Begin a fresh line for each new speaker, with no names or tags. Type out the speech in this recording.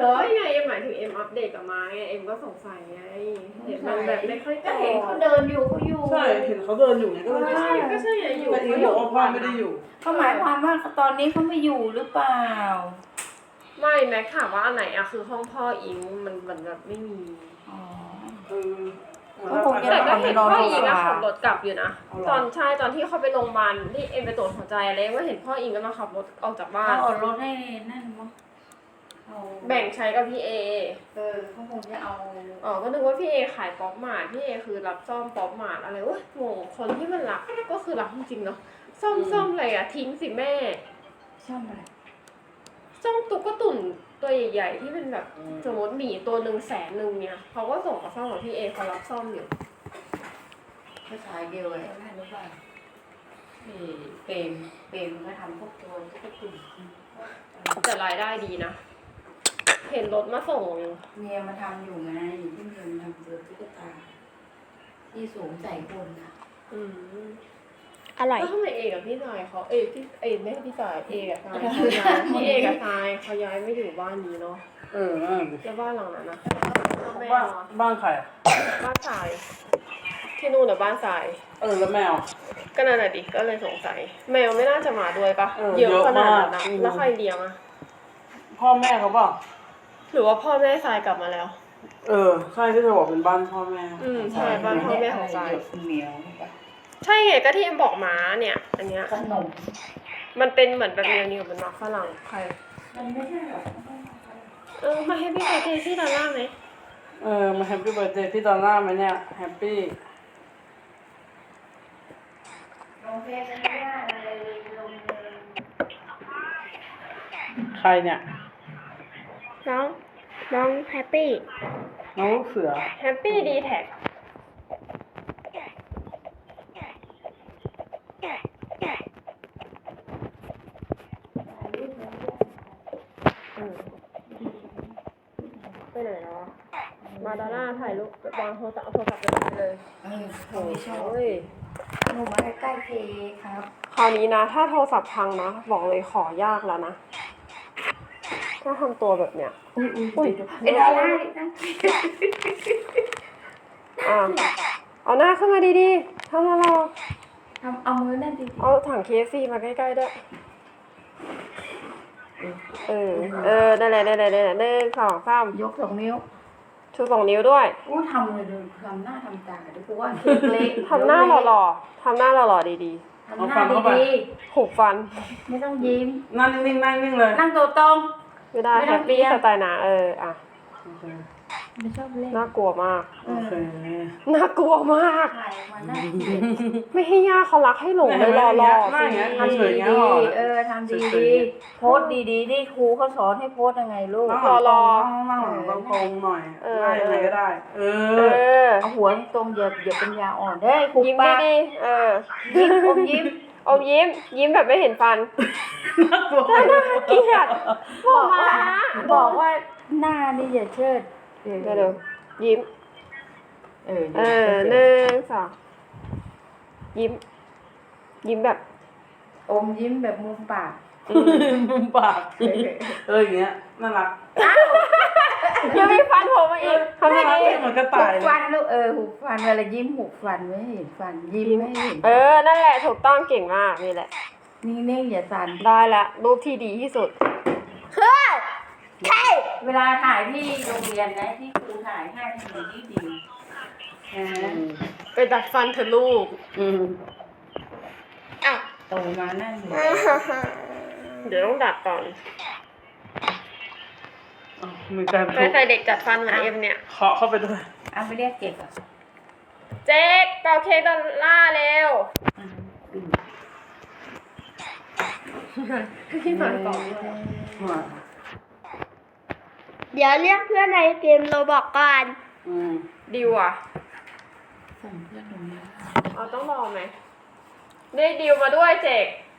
รอ
ไม่ไงหมายถึงเอ็มอัปเดตกับมาไงเอ็มก็สงสัยไงเห็นมันแบบไม่ค่อย
ก็
โต
เห็นเขาเดินอยู่เขาอยู่
ใช่เห็นเขาเดินอยู่ไงก็เลย
ก็ใช่ก็ใช่ไงอยู่
แต่อีบอกว่าพ่อไม่ได้อยู่
เขาหมายความว่าตอนนี้เขาไม่อยู่หรือเปล่า
ไม่แม็กถามว่าอันไหนอะคือห้องพ่ออิงมันแบบไม่มี
อ๋อ
เออ
ก็คงจะ
แต่ก็เห็นพ่ออิง
นอน
อะขับรถกลับอยู่นะ
เอาเหรอ
ตอนที่เขาไปโรงพยาบาลที่เอ็มไปตรวจหัวใจอะไรก็เห็นพ่ออิงก็มาขับรถออกจากบ้าน
เขาเอารถให้นั่นมั้งเอา
แบ่งใช้กับพี่เอ
เขาคงจะเอา
อ๋อก็นึกว่าพี่เอขายป๊อปมาร์ทพี่เอคือรับซ่อมป๊อปมาร์ทอะไรวะงงคนที่มันรักก็คือรักจริงๆเนาะซ่อมอะไรอะทิ้งสิแม่
ช่องอะไร
ซ่อมตุ๊กตุ่นตัวใหญ่ๆที่เป็นแบบสมมติหมีตัว100,000เนี่ยเขาก็ส่งมาซ่อมกับพี่เอเขารับซ่อมอยู่
ภาษาเดียวเลยไม่รู้ว่าเปรมก็ทำพวกตัวตุ๊กตุ่น
แต่รายได้ดีนะ เห็นรถมาส่งอยู่
เมียมาทำอยู่ไงที่เมียมาทำตัวตุ๊กตาที่สูงใส่คนนะ
อืม
อร่อย
แล้วทำไมเอกับพี่สายเขาพี่ไม่ใช่พี่สายเอกับสายเขาย้ายพี่เอกับสายเขาย้ายไม่อยู่บ้านนี้เนาะ
เออนั่นดิ
แล้วบ้านหลังนั้นนะแม่
บ้าน
เหรอ
บ้านใครอ่ะ
บ้านสาย ที่นู่นหรือบ้านสาย
แล้วแมว
ก็นั่นแหละดิก็เลยสงสัยแมวไม่น่าจะมาด้วยปะ
เยอะ
ขนาดนั้น
มาก
นะแล้วใครเลี้ยงอะ
พ่อแม่เขาเปล่า
หรือว่าพ่อแม่สายกลับมาแล้ว
ใช่ที่เธอบอกเป็นบ้านพ่อแม่
อืมใช่บ้านพ่อแม่ของสาย
เหนียว
ใช่ไงก็ที่เอ็มบอกม้าเนี่ย อันเนี้ย
ขนม
มันเป็นเหมือนแบบเนียวๆเหมือนหมักฝรั่งใคร
มันไม่ใช่หรอก
มาให้พี่ไปเทที่ด้านล่างไหม
มาแฮปปี้เบิร์ดเดย์พี่ดอลล่าไหมเนี่ยแฮปปี้
ลงเพจไม่ได้เลยลงเลย
ใครเนี่ย
น้องแฮปปี้
น้องลูกเสือ
แฮปปี้ดีแท็กไปไหนแล้วอะมาดาร่าถ่ายรูปวางโทรศัพท์ไปเลย
เขาไม่ชอบ
โอ้ย
หนูมาใกล้ๆเพครับ
คราวนี้นะ ถ้าโทรศัพท์พังนะ บอกเลยขอยากแล้วนะ ถ้าทำตัวแบบเนี้ย อุ้ย
ไม่ได้นะ
อ่ะเอาหน้าขึ้นมาดีๆทำอะไรอ
เอามือนั่นดิ
เอาถัง KFC มาใกล้ๆด้วยได้เลย1 2 3
ยก2 นิ้ว
ชู2 นิ้วด้วย
อู้ทำเลยทำหน้าทำตาดูกูว่าเล็ก
ทำหน้าหล่อๆทำหน้าหล่อๆดี
ทำหน้าดี
ๆหุบฟัน
ๆไม่ต้องยิ้ม
นั่งนิ่งๆนั่งนิ่งเลย
นั่งตัวตรง
ไม่ได้
ไม่
แฮ
ต้อง
ปปี้
เอียง
สไตล์นะอ่ะ
โอเค
ไม่ชอบเล่น
น่ากลัวมาก
โอเค
น่ากลัวมาก
ถ่ายมาหน้าเกลียด
ไม่ให้ย่าเขารักให้หลงเลยหล่อ
หน้า
ๆ
อย่างเงี้ย
ทำ
ทำสวยอย่างเงี้ย
ดี
หรอ
ๆทำดีๆโพสต์ดีๆที่ครูเขาสอนให้โพสต์ยังไงลูก
นั่งหลังตรงนั่งหลังตรงๆหน่อยได้ยังไงก็ได้
เออ
เอาหัวตรงอย่าเป็นยาอ่อนเด้ครู
ยิ้ม
ปาก
ดีๆ
ยิ้มอมยิ้ม
อมยิ้มแบบไม่เห็นฟัน
น่ากลัว
เกลียดบอกมา
บอกว่าหน้านี่อย่าเชิด
เดี๋ยวยิ้ม 1 2ยิ้มแบบ
อมยิ้มแบบมุมปาก
มุมปากอย่างเงี้ยน่ารัก
ยังมีฟันโผล่มาอีกทำยังไง
เหมือนกระต่าย
หุบฟันลูกหุบฟันเวลายิ้มหุบฟันไม่ให้เห็นฟันยิ้มไม่ให้เห็น
นั่นแหละถูกต้องเก่งมากนี่แหละ
นิ่งๆอย่าสั่น
ได้ละรูปที่ดีที่สุด
ใช่เวลาถ่ายที่โรงเรียนนะที่ครูถ่ายให้ดีดีนะ
ไปดัดฟันเถอะลูก อ้าว
โตมานั่นเลย
เดี๋ยวต้องดัดก่อน
มีการ
เคยใส่เด็กจัดฟันเหมือนเอ็มเนี่ย
เคาะเข้าไปด้วย
เอาไปเรียกเก็บอ่ะ
เจ๊กเป่าเค้กดอลล่าร์เร็วพี่มาต่อ
เดี๋ยวเรียกเพื่อนในเกมโรบอกก่อน
ดิวอ่ะ
ส่งเพื่อนตรงนี้
เอาต้องรอไหมได้ดิวมาด้วยเจ๊ก